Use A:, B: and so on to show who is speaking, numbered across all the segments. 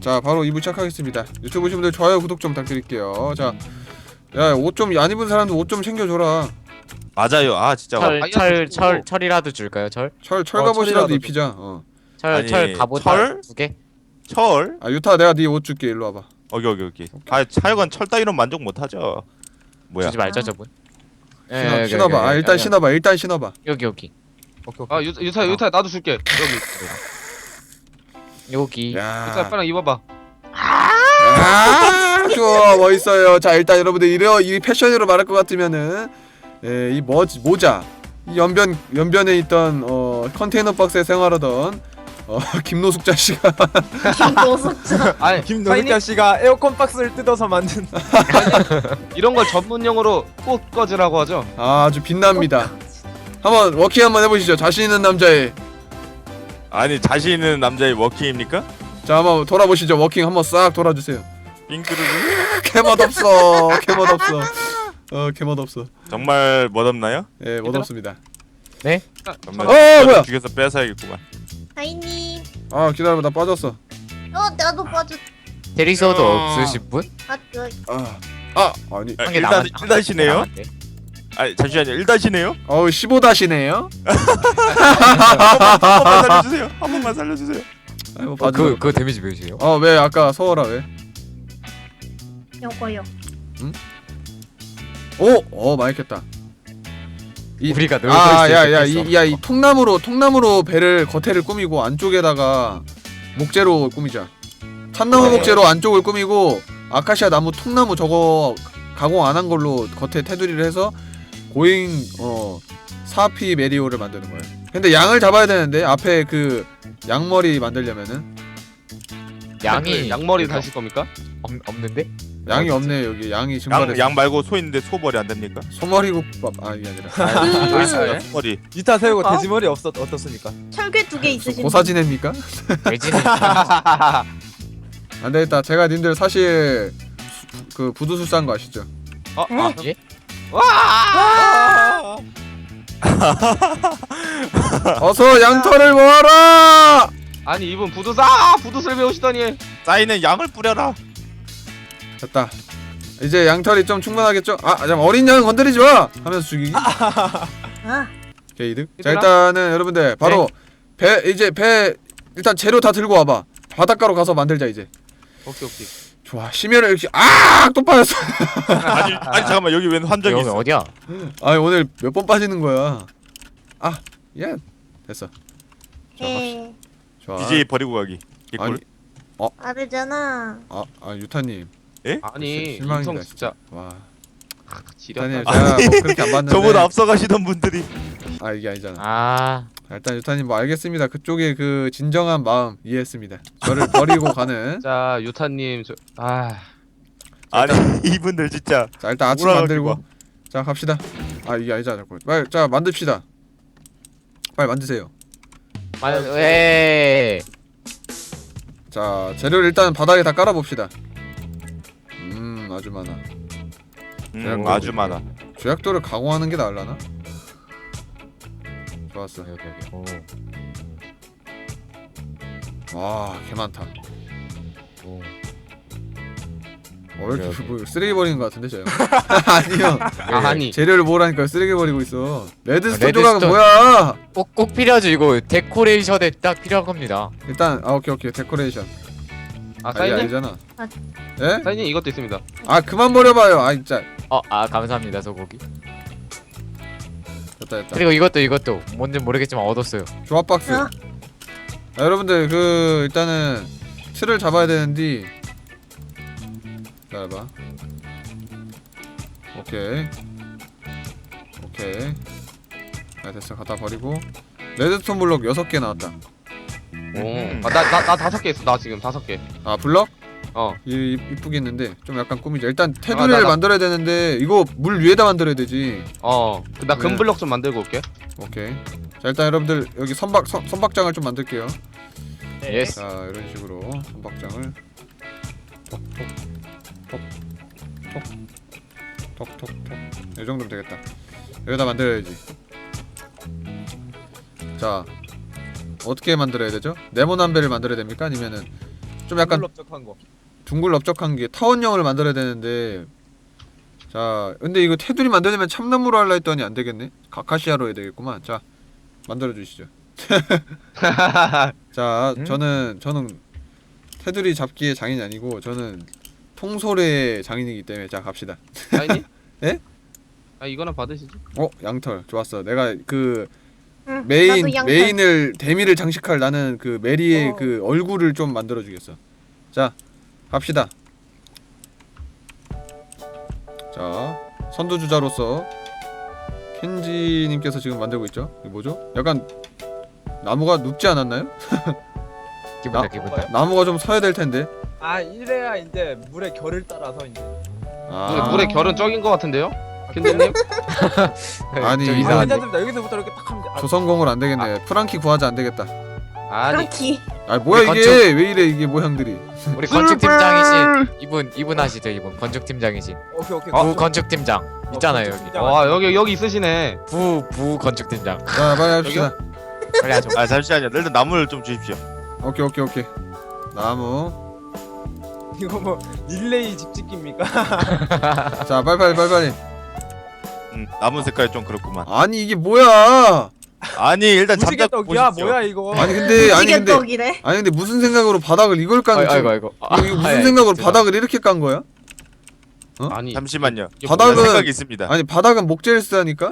A: 자 바로 2부 시작하겠습니다. 유튜브 보신 분들 좋아요 구독 좀 부탁드릴게요. 자 야 옷 좀 안 입은 사람들 옷 좀 챙겨줘라.
B: 맞아요. 아 진짜.
C: 철이라도 줄까요?
A: 철갑옷이라도
D: 철이라도
A: 입히자.
B: 아니,
C: 철 갑옷
B: 철?
C: 2개?
B: 철?
A: 아 유타 내가 네 옷 줄게. 일로 와봐.
B: 오케이. 아 하여간 철 따위로 만족 못하죠. 뭐야?
C: 주지 말자 저분.
A: 신어봐. 아 일단 신어봐.
C: 여기
D: 오케이.
E: 아 유타 나도 줄게.
C: 여기.
A: 야.
E: 유타 빨랑 입어봐.
A: 아, 좋아 멋있어요. 자 일단 여러분들 이 패션으로 말할 것 같으면은 이 모자 이 연변에 있던 컨테이너 박스에 생활하던 김노숙자 씨가
F: 김노숙자.
E: 아니
D: 김노숙자 씨가 에어컨 박스를 뜯어서 만든
E: 이런 걸 전문용어로 꽃 꺼지라고 하죠.
A: 아주 빛납니다. 한번 워킹 한번 해보시죠. 자신 있는 남자의.
B: 아니 자신 있는 남자의 워킹입니까?
A: 자 한번 돌아보시죠. 워킹 한번 싹 돌아주세요.
B: 빙크르르.
A: 개멋없어. 개멋없어.
B: 정말 멋없나요?
A: 예, 멋없습니다.
B: 정말
A: 뭐야?
B: 죽여서 뺏어야겠구만.
F: 하이님.
A: 아 기다려봐, 나 빠졌어.
F: 나도 빠졌.
C: 대리소도 없으신 분?
A: 아니.
B: 아,
C: 한개
B: 일단이네요.
C: 남았네.
B: 아 잠시만요. 1다시네요.
A: 15다시네요.
B: 한 번만 살려주세요.
A: 아이고
C: 그거 데미지 몇이에요?
A: 왜 아까 서워라 왜?
F: 요거요.
A: 많이 켰다.
C: 우리가 놀고 있을
A: 이 통나무로 배를 겉에를 꾸미고 안쪽에다가 목재로 꾸미자. 참나무 목재로 안쪽을 꾸미고 아카시아 나무 통나무 저거 가공 안 한 걸로 겉에 테두리를 해서 고잉 사피 메리오를 만드는 거예요. 근데 양을 잡아야 되는데 앞에 그 양머리 만들려면은
C: 양이
E: 양머리 다실 겁니까?
C: 없는데?
A: 양이 없네. 여기 양이 증발했어.
B: 양 말고 소 있는데 소머리 안 됩니까?
A: 소머리국밥 이게 아니라
B: 여기 있어요. 소머리.
D: 유타 세우고 돼지머리 어떻습니까?
F: 철괴 2개 있으신 분.
A: 고사지냅니까?
C: 외지는
A: 안 되겠다. 제가 님들 사실 그 부두술사인 거 아시죠?
C: 예?
A: 어서 양털을 모아라!
E: 아니 이분 부두술 배우시더니
B: 쌓이는 양을 뿌려라.
A: 됐다. 이제 양털이 좀 충분하겠죠? 잠깐 어린 양은 건드리지 마! 하면서 죽이기. 오케이 이득. 자 일단은 여러분들 바로 배 일단 재료 다 들고 와봐. 바닷가로 가서 만들자 이제.
E: 오케이.
A: 좋아. 심혈을 이렇게 또 빠졌어.
B: 아니 잠깐만 여기 웬 함정이
C: 여기
B: 있어?
C: 어디야?
A: 오늘 몇 번 빠지는 거야. 예. 됐어.
F: 에.
A: 좋아.
B: DJ 버리고 가기. 개꿀.
F: 다르잖아.
A: 유타님.
E: 아니
A: 실망이다,
E: 인성 진짜
A: 와.
E: 지렸다.
A: 유타님 제가 뭐 그렇게 안 봤는데.
B: 저보다 앞서가시던 분들이.
A: 이게 아니잖아.
C: 아
A: 일단 유타님 뭐 알겠습니다. 그쪽의 그 진정한 마음 이해했습니다. 저를 버리고 가는.
E: 자 유타님
B: 아니 이분들 진짜.
A: 자 일단 아침
B: 몰아가지고
A: 만들고. 자 갑시다. 이게 아니잖아. 자꾸. 빨리 자 만듭시다. 빨리 만드세요.
C: 왜?
A: 자 재료를 일단 바닥에 다 깔아봅시다. 아주 많아.
B: 아주 많아.
A: 조약돌을 가공하는 게 나을라나? 좋았어.
C: 여기.
A: 와, 개 많다.
C: 오.
A: 왜 이렇게 뭐 쓰레기 버리는 거 같은데 저 형? 아니요.
E: 아니
A: 재료를 모으라니까 쓰레기 버리고 있어. 레드스톤
C: 레드스톤.
A: 조각은 뭐야?
C: 꼭 필요하죠. 이거 데코레이션에 딱 필요한 겁니다.
A: 일단 오케이 데코레이션. 이게
E: 사인님
A: 아니잖아. 예?
E: 사인님 이것도 있습니다.
A: 그만 버려봐요. 진짜.
C: 감사합니다 소고기.
A: 됐다.
C: 그리고 이것도 뭔지 모르겠지만 얻었어요.
A: 조합 박스. 여러분들 일단은 틀을 잡아야 되는데. 기다려봐. 오케이. 됐어. 갖다 버리고. 레드스톤 블록 6개 나왔다.
E: 나 5개 있어. 나 지금 5개.
A: 블럭?
E: 어.
A: 이쁘게 있는데 좀 약간 꾸미자. 일단 테두리를 만들어야 되는데 이거 물 위에다 만들어야 되지.
E: 나 금블럭 좀 만들고 올게.
A: 오케이. 자 일단 여러분들 여기 선박장을 좀 만들게요.
C: 예스.
A: 자 이런 식으로 선박장을 톡톡톡 이 정도면 되겠다. 여기다 만들어야지. 자 어떻게 만들어야 되죠? 네모난 배를 만들어야 됩니까? 아니면은 좀 약간
D: 넓적한 거.
A: 둥글넓적한 게 타원형을 만들어야 되는데 자 근데 이거 테두리 만들려면 참나무로 할라 했더니 안 되겠네. 가카시아로 해야 되겠구만. 자 만들어 주시죠. 자 저는 테두리 잡기의 장인이 아니고 저는 통솔의 장인이기 때문에 자 갑시다.
E: 사인님?
A: 예?
E: 아 이거나 받으시죠.
A: 양털 좋았어. 내가 그
F: 응, 나도 양털.
A: 메인을 데미를 장식할 나는 그 메리의
D: 어.
A: 그 얼굴을 좀 만들어 주겠어. 자 갑시다. 자 선두주자로서 켄지님께서 지금 만들고 있죠. 이게 뭐죠? 약간 나무가 눕지 않았나요?
C: 기분다 기분다.
A: 나무가 좀 서야 될 텐데.
D: 아 이래야 이제 물의 결을 따라서 이제.
E: 물의 결은 적인 것 같은데요? 켄지님?
A: 아니,
C: 좀
A: 이거
C: 이상한데.
D: 괜찮습니다. 여기서부터 이렇게 딱 하면 돼.
A: 조성공을 안 되겠네. 프랑키 구하자 안 되겠다.
E: 아니
F: 프랑키.
A: 아 뭐야
C: 우리
A: 이게 왜 이래 이게 모양들이.
C: 우리 건축 팀장이신 이분 하시죠 이분 건축 팀장이신
D: 오케이.
C: 부 건축 팀장 있잖아요 여기.
E: 와 여기 있으시네.
C: 부 건축 팀장.
A: 자 빨리 합시다.
C: 빨리 하죠.
B: 아 잠시만요. 일단 나무를 좀 주십시오.
A: 오케이. 나무.
D: 이거 뭐 릴레이 집짓기입니까?
A: 자 빨리.
B: 나무 색깔이 좀 그렇구만.
A: 아니 이게 뭐야?
B: 아니 일단
D: 무지개
B: 잠깐
D: 떡이야
B: 보십시오.
D: 뭐야 이거?
A: 아니 근데
F: 무지개떡이래.
A: 아니 근데 무슨 생각으로 바닥을 이걸 깐 거지?
C: 아이고.
A: 이거 무슨 생각으로 바닥을 이렇게 깐 거야?
E: 아니
B: 잠시만요.
E: 이게
A: 바닥은-
B: 바닥은 생각이 있습니다.
A: 아니 바닥은 목재를 쓰다니까?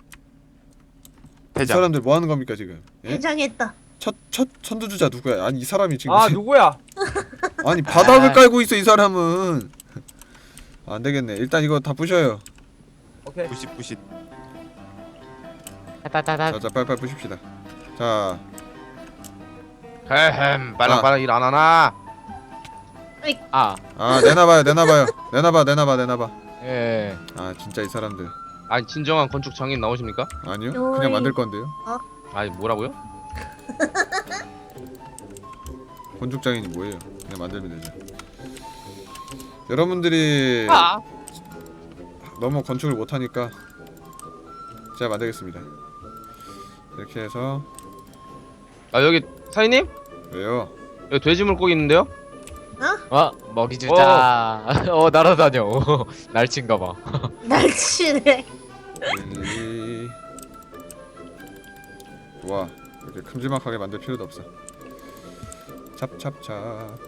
A: 이
B: 대장.
A: 사람들 뭐 하는 겁니까 지금? 예?
F: 해장했다.
A: 첫 선두주자 누구야? 아니 이 사람이 지금
D: 아 누구야?
A: 아니 바닥을 깔고 있어 이 사람은. 안 되겠네. 일단 이거 다 부셔요.
D: 오케이.
B: 부십.
C: 따따따.
A: 자 빨리 부십시다. 자
E: 헤헴 빨랑빨랑 일 안 하나?
C: 아
A: 내놔봐요. 내놔봐.
C: 예.
A: 아 진짜 이 사람들.
E: 아니 진정한 건축 장인 나오십니까?
A: 아니요.
F: 요이.
A: 그냥 만들 건데요.
E: 아니 뭐라고요?
A: 건축장인이 뭐예요? 그냥 만들면 되죠. 여러분들이
E: 아
A: 너무 건축을 못하니까 제가 만들겠습니다. 이렇게 해서
E: 여기 사인님?
A: 왜요?
E: 여기 돼지 물고기 있는데요?
C: 먹이 주자. 날아다녀. 날친가 봐.
F: 날치네.
A: 좋아. 이렇게 큼지막하게 만들 필요도 없어. 찹찹찹.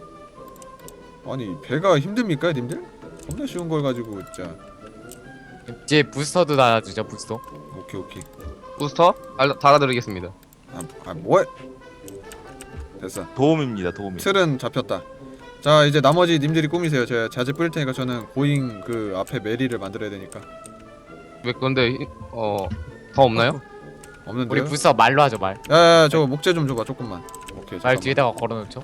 A: 아니 배가 힘듭니까 님들? 겁나 쉬운 걸 가지고 진짜.
C: 이제 부스터도 달아주죠 부스터.
A: 오케이.
E: 부스터? 달아드리겠습니다.
A: 뭐해? 됐어.
B: 도움입니다.
A: 틀은 잡혔다. 자 이제 나머지 님들이 꾸미세요. 제가 자재 뿌릴 테니까 저는 고잉 그 앞에 메리를 만들어야 되니까.
E: 왜 근데 더 없나요?
A: 없는데요?
C: 우리 부스터 말로 하죠 말.
A: 야야야 저거 목재 좀 줘봐 조금만. 오케이
C: 말
A: 잠깐만.
C: 뒤에다가 걸어놓죠.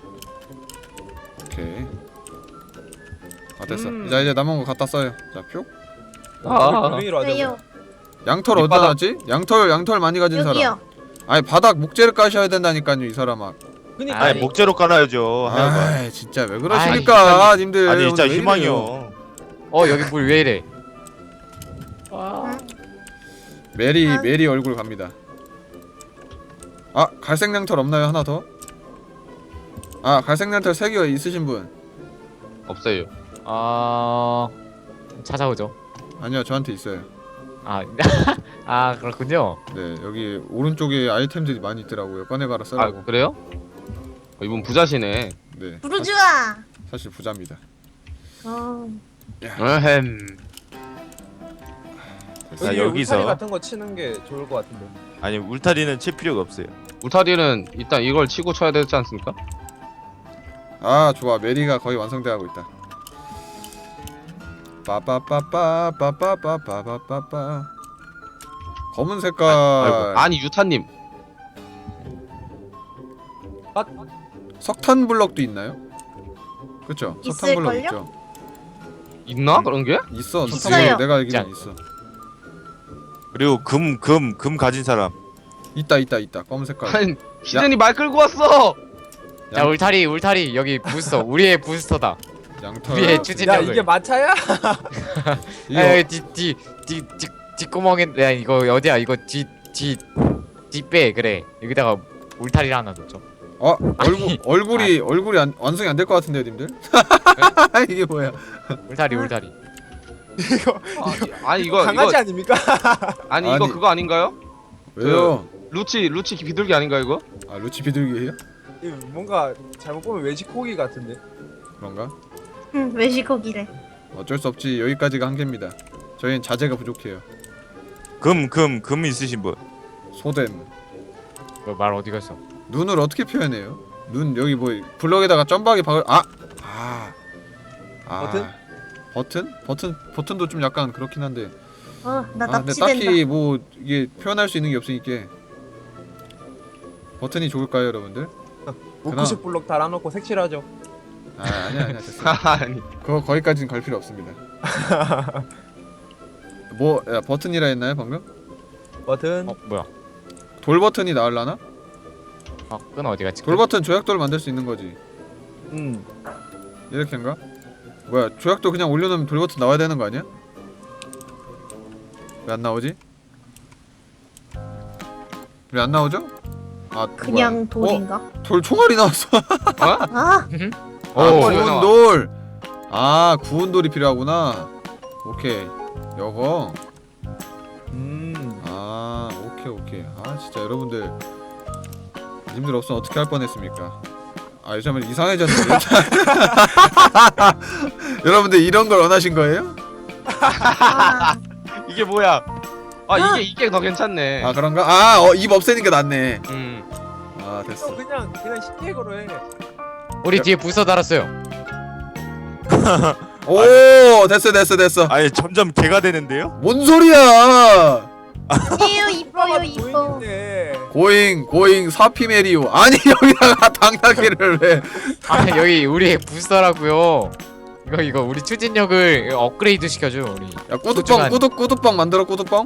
A: 오케이. 됐어. 이제 남은 거 갖다 써요. 자 표.
D: 분위기로 하자.
F: 왜요?
A: 양털 어디다
E: 밑바닥.
A: 놨지? 양털 많이 가진 사람.
F: 여기요.
A: 아니 바닥 목재를 까셔야 된다니까요 이 사람아.
D: 그니까
B: 아니 목재로 깔아야죠. 하여간.
A: 아 진짜 왜 그러십니까 님들.
B: 아니 진짜
A: 오늘 왜
B: 희망이요.
A: 이래요?
C: 여기 물 왜 이래?
A: 메리 얼굴 갑니다. 갈색 양털 없나요 하나 더? 갈색 양털 3개 있으신 분?
E: 없어요.
C: 찾아오죠.
A: 아니요 저한테 있어요.
C: 그렇군요.
A: 네 여기 오른쪽에 아이템들이 많이 있더라고요. 꺼내가라 쓰라고.
E: 그래요? 이분 부자시네.
A: 네
F: 부르주아.
A: 사실 부자입니다.
E: 에헴.
A: 됐어.
B: 자,
D: 여기
B: 여기서-
D: 울타리 같은 거 치는 게 좋을 것 같은데.
B: 아니 울타리는 칠 필요가 없어요.
E: 울타리는 일단 이걸 치고 쳐야 되지 않습니까?
A: 좋아 메리가 거의 완성돼가고 있다. 빠빠빠빠빠빠빠빠빠빠 검은 색깔.
E: 아니 유타님.
A: 석탄 블럭도 있나요? 그쵸? 석탄 블럭
F: 있을걸요?
A: 있죠?
E: 있나 그런 게?
A: 있어. 석탄
F: 있어요.
A: 블럭 내가 알기로는 있어.
B: 그리고 금 가진 사람.
A: 있다 검은 색깔.
E: 아니 시즌이 말 끌고 왔어.
C: 자 울타리 여기 부스터 우리의 부스터다.
A: 양털.
C: 우리의
D: 야
C: 추진력을.
D: 이게 마차야?
C: 여기 뒤 뒷구멍에 이거 어디야 이거 뒷배 그래 여기다가 울타리를 하나 넣죠.
A: 얼굴이 완성이 안 될 것 같은데요, 님들? 이게 뭐야?
C: 울타리 울타리.
E: 아니 이거
D: 강아지
E: 이거
D: 아닙니까?
E: 아니 이거
A: 아니.
E: 그거 아닌가요?
A: 왜요?
E: 루치 비둘기 아닌가 이거?
A: 아 루치 비둘기예요?
D: 이거 뭔가 잘못 보면 외식고기 같은데.
A: 그런가?
F: 응, 외식고기래.
A: 어쩔 수 없지. 여기까지가 한계입니다. 저희는 자재가 부족해요.
B: 금 있으신 분.
A: 소댐.
C: 말 어디 갔어?
A: 눈을 어떻게 표현해요? 눈 여기 뭐 블럭에다가 점박이 박을 버튼도 좀 약간 그렇긴 한데.
F: 나
A: 근데
F: 납치된다.
A: 딱히 뭐 이게 표현할 수 있는 게 없으니까 버튼이 좋을까요, 여러분들?
D: 무크식 블록 달아놓고 색칠하죠.
A: 아니야 됐어.
E: 아니
A: 그거 거기까지는 갈 필요 없습니다. 버튼이라 했나요 방금?
D: 버튼.
C: 뭐야?
A: 돌 버튼이 나올라나?
C: 끈 어디 갔지?
A: 돌 버튼 조약돌 만들 수 있는 거지. 이렇게인가? 뭐야 조약돌 그냥 올려놓으면 돌 버튼 나와야 되는 거 아니야? 왜 안 나오지? 왜 안 나오죠?
F: 그냥
A: 뭐야?
F: 돌인가?
A: 돌 총알이 나왔어.
F: 아,
A: 구운 돌. 구운 돌이 필요하구나. 오케이. 요거. 오케이. 진짜 여러분들 님들 없으면 어떻게 할 뻔했습니까? 요즘에 이상해졌는데. 여러분들 이런 걸 원하신 거예요?
F: 아,
E: 이게 뭐야? 이게 더 괜찮네.
A: 그런가? 입 없애니까 낫네. 됐어.
D: 형 그냥 쉽게 걸어 해.
C: 우리 뒤에 부서 달았어요.
A: 오, 됐어.
B: 아니 점점 개가 되는데요?
A: 뭔 소리야?
F: 아니에요, 이뻐요, 이뻐.
D: 보이는데.
A: 고잉 사피메리오. 아니 여기다가 당나귀를 왜?
C: 여기 우리 부서라고요. 이거 우리 추진력을 업그레이드 시켜줘 우리.
A: 야 꾸두빵 만들어 꾸두빵.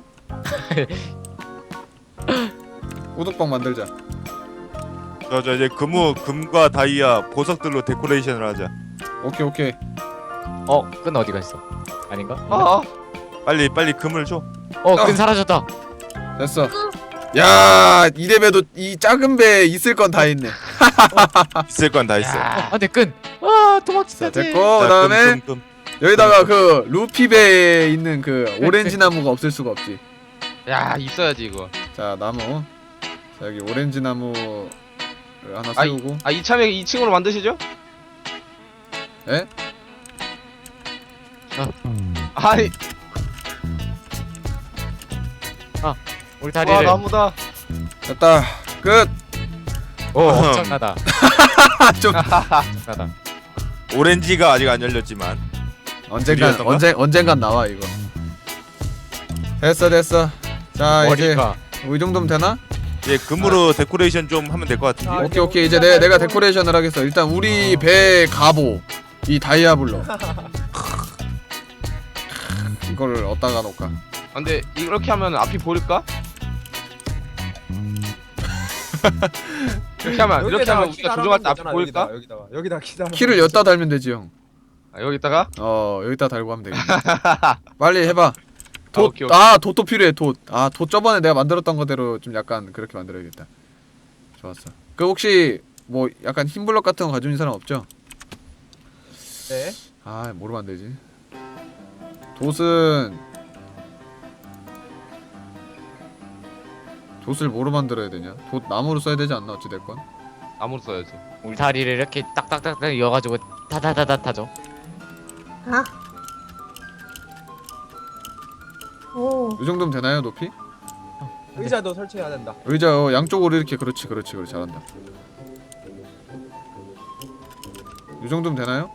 A: 꾸두빵 만들자.
B: 저 이제 금과 다이아 보석들로 데코레이션을 하자.
A: 오케이.
C: 끈 어디 갔어? 아닌가?
B: 빨리 금을 줘.
C: 끈 사라졌다.
A: 됐어. 야, 이래봬도 이 작은 배에 있을 건 다 있네.
B: 있을 건 다 있어.
C: 안돼 끈. 도망치자.
A: 됐고
B: 자,
A: 그다음에
B: 금.
A: 여기다가 그 루피 배에 있는 그 오렌지 나무가 없을 수가 없지.
E: 야 있어야지 이거.
A: 자 나무. 자 여기 오렌지 나무를 하나 세우고.
E: 이참에 2층으로 만드시죠?
A: 에?
E: 아니
C: 울타리를.
E: 나무다.
A: 됐다. 끝.
C: 엄청나다.
A: 좀
C: 엄청나다.
B: 오렌지가 아직 안 열렸지만
A: 언젠간 나와 이거. 됐어. 자 이제
C: 머리가.
A: 이 정도면 되나?
B: 이제 금으로 데코레이션 좀 하면 될 것 같은데.
A: 오케이 이제 내가 데코레이션을 하겠어. 일단 우리 배 갑오 이 다이아블로 이거를 어디다가 놓을까?
E: 근데 이렇게 하면 앞이 보일까? 이렇게 하면 우리가 조종할 때 앞이 보일까?
D: 여기다가 기다.
A: 키를 여기다 달면 되지 형.
E: 여기다가?
A: 여기다 달고 하면 되겠네. 빨리 해봐.
E: 오케이.
A: 돛도 필요해. 돛 저번에 내가 만들었던 거대로 좀 약간 그렇게 만들어야겠다. 좋았어. 그 혹시 뭐 약간 흰 블럭 같은 거 가지고 있는 사람 없죠?
D: 네.
A: 뭐로 만들지? 돛을 뭐로 만들어야 되냐? 돛 나무로 써야 되지 않나 어찌 됐건.
E: 나무로 써야지.
C: 울타리를 이렇게 딱딱딱 이어가지고 타다다다 타죠.
F: 오,
A: 이 정도면 되나요 높이?
D: 의자도 설치해야 된다.
A: 의자 양쪽으로 이렇게 그렇지 잘한다. 이 정도면 되나요?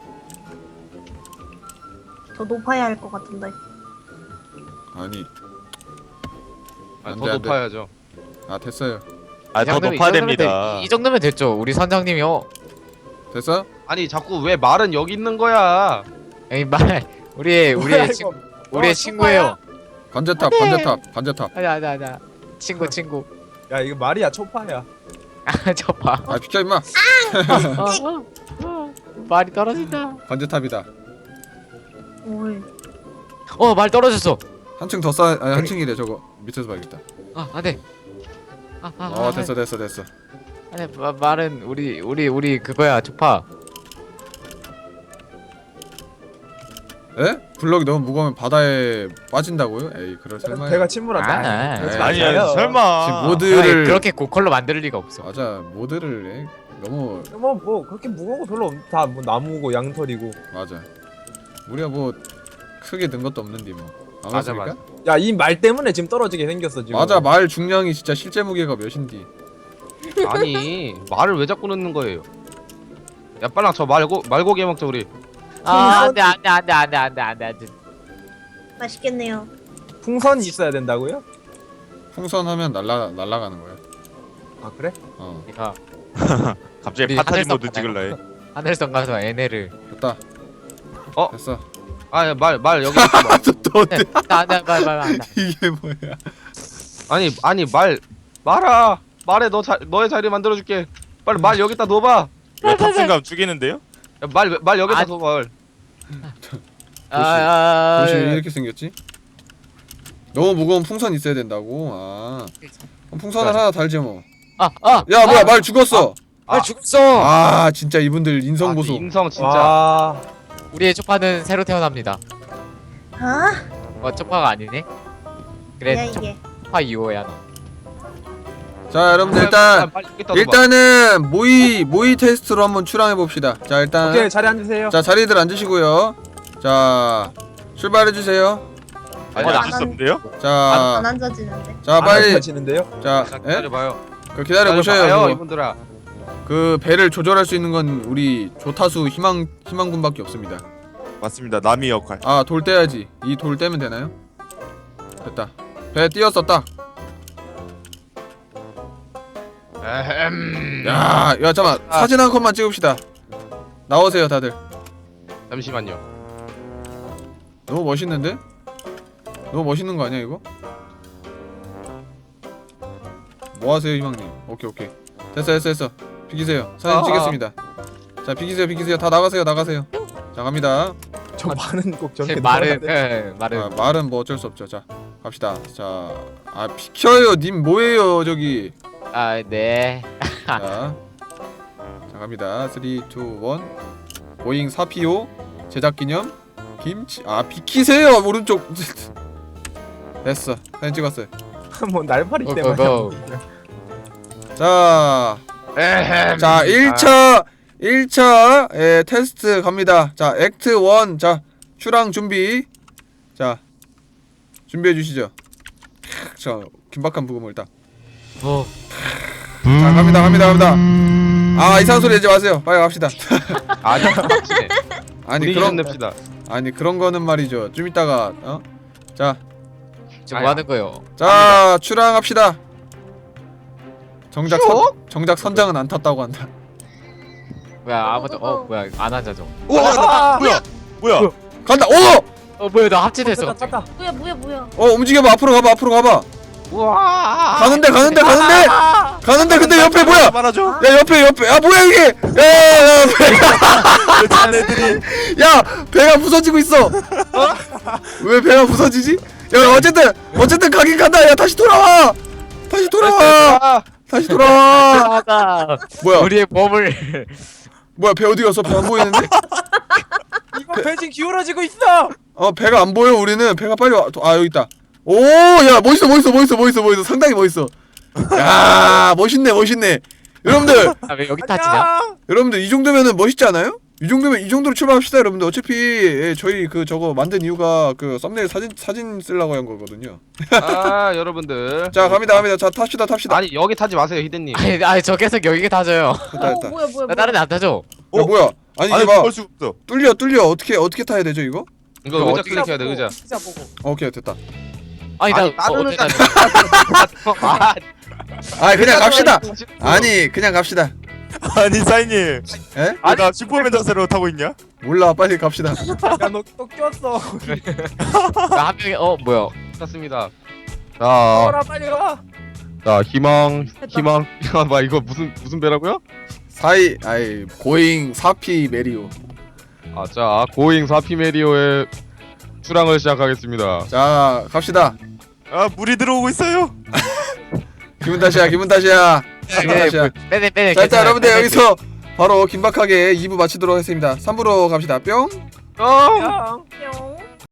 F: 더 높아야 할 것 같은데.
A: 아니 안
E: 더
A: 돼, 안
E: 높아야죠.
A: 됐어요.
B: 더 높아야 됩니다.
C: 이 정도면 됐죠. 우리 선장님이요.
A: 됐어?
E: 아니 자꾸 왜 말은 여기 있는 거야?
C: 우리의 친구예요.
A: 관제탑.
C: 아자. 친구.
D: 야 이거 말이야 초파야.
C: 저 봐.
A: 비켜 임마.
C: 말이 떨어진다.
A: 관제탑이다.
F: 올.
C: 말 떨어졌어.
A: 한층 더 쌓아. 한층이래 저거. 밑에서 봐야겠다.
C: 안돼.
A: 됐어.
C: 아니 말은 우리 그거야 초파.
A: 에? 블럭이 너무 무거우면 바다에 빠진다고요? 에이 그럴 설마.
D: 배가 침몰한다.
C: 아,
D: 그러지
A: 에이,
B: 아니
D: 마세요.
B: 설마.
A: 지금
C: 아니,
A: 모드를
C: 그렇게 고컬로 만들 리가 없어.
A: 맞아 모드를 너무
D: 뭐 그렇게 무거운 거 별로 다 뭐 나무고 양털이고.
A: 맞아. 우리가 뭐 크게 는 것도 없는데 뭐. 안
E: 맞아,
A: 맞습니까?
D: 야 이 말 때문에 지금 떨어지게 생겼어 지금.
A: 맞아 말 중량이 진짜 실제 무게가 몇인디.
E: 아니 말을 왜 자꾸 넣는 거예요? 야 빨랑 저 말고기 먹자 우리.
C: 아 안돼.
F: 맛있겠네요.
D: 풍선이 있어야 된다고요?
A: 풍선하면 날아가는 거야.
D: 아 그래?
A: 어
C: 내가
B: 갑자기
C: 우리
B: 파타지
C: 하늘성
B: 모드 찍을라 해.
C: 하늘성 가서 에네를.
A: 됐다.
E: 어?
A: 됐어.
E: 말 여기 있어.
A: 또 어때?
C: 안돼 말.
A: 이게 뭐야?
E: 아니 말아 말해 너의 자리 만들어줄게. 빨리 말 여기다 넣어봐.
B: 이거 탑승감 죽이는데요?
E: 야, 말 여기다
C: 아,
E: 넣어 말.
A: 도시 왜 이렇게 생겼지? 너무 무거운 풍선 있어야 된다고. 아 그럼 풍선을 하나 달지 뭐. 야 뭐야 말 죽었어.
C: 죽었어.
A: 아 진짜 이분들 인성 보소.
E: 인성 진짜.
D: 와.
C: 우리의 초파는 새로 태어납니다.
F: 아
C: 초파가 아니네.
F: 뭐야
C: 그래
F: 이게.
C: 초파 2호야 너.
A: 자 여러분들 일단은 모의 테스트로 한번 출항해 봅시다. 자 일단
D: 오케이 자리 앉으세요.
A: 자 자리들 앉으시고요. 자 출발해 주세요.
B: 아니
C: 어,
B: 앉을 수 없는데요?
A: 자
F: 안 앉아지는데.
A: 자 빨리
D: 앉으시는데요?
A: 자 예?
E: 기다려봐요.
A: 그 기다려 보셔요.
E: 이분들아.
A: 그 배를 조절할 수 있는 건 우리 조타수 희망군밖에 없습니다.
B: 맞습니다. 남이 역할.
A: 아 돌 떼야지. 이 돌 떼면 되나요? 됐다. 배 띄었어 딱. 야 잠깐 사진 한 컷만 찍읍시다. 나오세요 다들.
E: 잠시만요.
A: 너무 멋있는데? 너무 멋있는 거 아니야 이거? 뭐 하세요 희망님? 오케이 됐어 비키세요. 사진 찍겠습니다. 자 비키세요 다 나가세요. 자 갑니다.
D: 저 말은 꼭 저렇게
C: 말은
D: 넣어야 돼.
C: 말은
A: 말은 뭐 어쩔 수 없죠. 자 갑시다. 자 비켜요 님 뭐예요 저기.
C: 네.
A: 자 갑니다. 3, 2, 1 보잉 4PO 제작기념 김치 비키세요 오른쪽. 됐어 사진 찍었어요.
D: 뭐 날파리
C: 고,
D: 때문에.
C: 고,
A: 자 1차 테스트 갑니다. 자 액트 1 자 출항 준비. 자 준비해 주시죠. 자 긴박한 부금을 딱. 자 갑니다. 아 이상한 소리 하지 마세요. 빨리 갑시다.
E: 아니
A: 아니
E: 우리
A: 그런
E: 냅시다.
A: 아니 그런 거는 말이죠. 좀 이따가 자
C: 지금 뭐 하는 거요?
A: 출항합시다. 정작 선장은 안 탔다고 한다.
C: 뭐야 아무도 뭐야 안 앉아 줘.
B: 뭐야?
A: 간다.
C: 뭐야 나 합체됐어.
D: 탔다.
F: 뭐야.
A: 움직여봐. 앞으로 가봐.
E: 우와.
A: 가는데 근데 옆에 뭐야?
B: 말아줘.
A: 야 옆에 뭐야 이게? 야
B: 자네들이
A: 야 배가 부서지고 있어. 왜 배가 부서지지? 야 어쨌든 가긴 간다. 야 다시 돌아와. 뭐야?
C: 우리의 몸을
A: 뭐야 배 어디 갔어? 배 안 보이는데?
D: 이거 배 지금 기울어지고 있어.
A: 배가 안 보여. 우리는 배가 빨리 와. 여기 있다. 오, 야 멋있어. 상당히 멋있어. 야 멋있네. 여러분들
C: 왜 여기 타지냐?
A: 이 정도면은 멋있지 않아요? 이 정도로 출발합시다 여러분들. 어차피 저희 저거 만든 이유가 그 썸네일 사진 쓰려고 한 거거든요.
E: 여러분들.
A: 자 갑니다. 자 탑시다.
E: 아니 여기 타지 마세요 히든님.
C: 아니 저 계속 여기 타져요.
A: 됐다.
F: 뭐야.
C: 나 다른 데 안 타죠.
A: 야 뭐야? 아니
B: 아니
A: 이게 봐.
B: 볼 수 없어.
A: 뚫려. 어떻게 타야 되죠 이거?
E: 이거 의자 클릭해야 돼 의자.
D: 의자 보고.
A: 오케이 됐다.
C: 아니
E: 나는
C: 어떻게 타죠?
A: 그냥 갑시다. 그냥 갑시다.
B: 아니 사인님.
A: 에?
B: 나 슈퍼맨 자세로 타고 있냐?
A: 몰라 빨리 갑시다.
D: 야너 또 꼈어.
C: 나한 명이 뭐야?
E: 탔습니다.
D: 가라 빨리 가.
E: 자 희망. 봐 이거 무슨 배라고요?
A: 고잉 4P 메리오.
E: 자 고잉 4P 메리오의 출항을 시작하겠습니다.
A: 자 갑시다.
B: 물이 들어오고 있어요.
A: 기분 탓이야. 아카시아.
C: 빼내.
A: 자 일단 여러분들 여기서 바로 긴박하게 2부 마치도록 하겠습니다. 3부로 갑시다. 뿅.
E: 어.
D: 뿅.
F: 뿅.